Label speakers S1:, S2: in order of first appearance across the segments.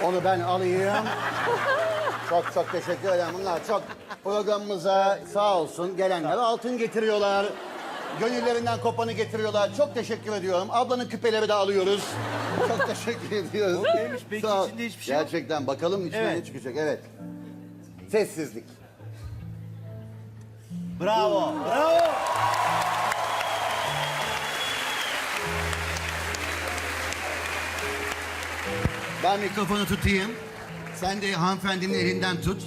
S1: Onu ben alayım. Çok çok teşekkür ederim. Bunlar çok programımıza sağ olsun gelenler altın getiriyorlar. Gönüllerinden kopanı getiriyorlar. Çok teşekkür ediyorum. Ablanın küpeleri de alıyoruz. Çok teşekkür ediyoruz.
S2: O neymiş peki,
S1: Sağ ol.
S2: içinde hiçbir şey yok.
S1: Gerçekten bakalım içinden
S2: Evet.
S1: ne çıkacak. Evet. Sessizlik.
S2: Bravo. Bravo.
S1: Ben mikrofonu tutayım. Sen de hanımefendinin elinden tut.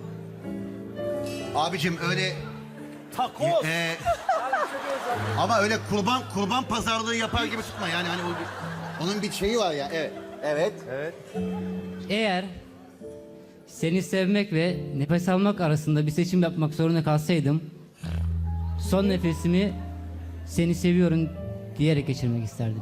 S1: Abicim öyle
S2: Takoz.
S1: ama öyle kurban pazarlığı yapar gibi tutma yani hani onun bir şeyi var ya. Evet. Evet.
S2: Evet.
S3: Eğer seni sevmek ve nefes almak arasında bir seçim yapmak zorunda kalsaydım, son nefesimi seni seviyorum diyerek geçirmek isterdim.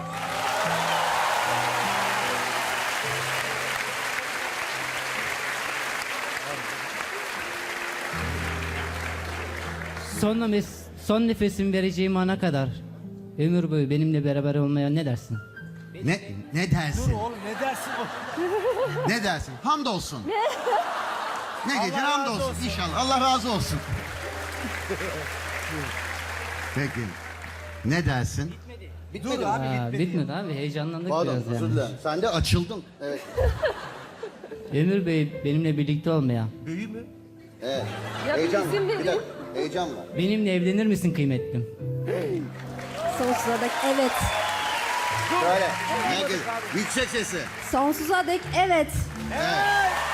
S3: Son nefesimi vereceğim ana kadar ömür boyu benimle beraber olmaya ne dersin?
S1: Ne dersin?
S2: Oğlum ne dersin o?
S1: Ne dersin? Hamdolsun. Ne gece
S2: Allah razı
S1: hamdolsun
S2: olsun.
S1: inşallah. Allah razı olsun. Peki. Ne dersin?
S2: Dur abi
S3: Aa,
S2: bitmedi.
S3: bitmedi abi, heyecanlandık
S1: Pardon
S3: biraz
S1: özür
S3: yani.
S1: dilerim. Sen de açıldın. Evet.
S3: Ömür Bey benimle birlikte olmaya,
S2: Büyü mü?
S1: Evet.
S4: Ya
S1: Heyecan var.
S4: bizim de
S1: Bir dakika. Heyecan var.
S3: benimle evlenir misin kıymetlim?
S4: Sonsuza dek evet.
S1: Şöyle. Herkes. Yüksek sesi.
S4: Sonsuza dek evet.
S1: Evet.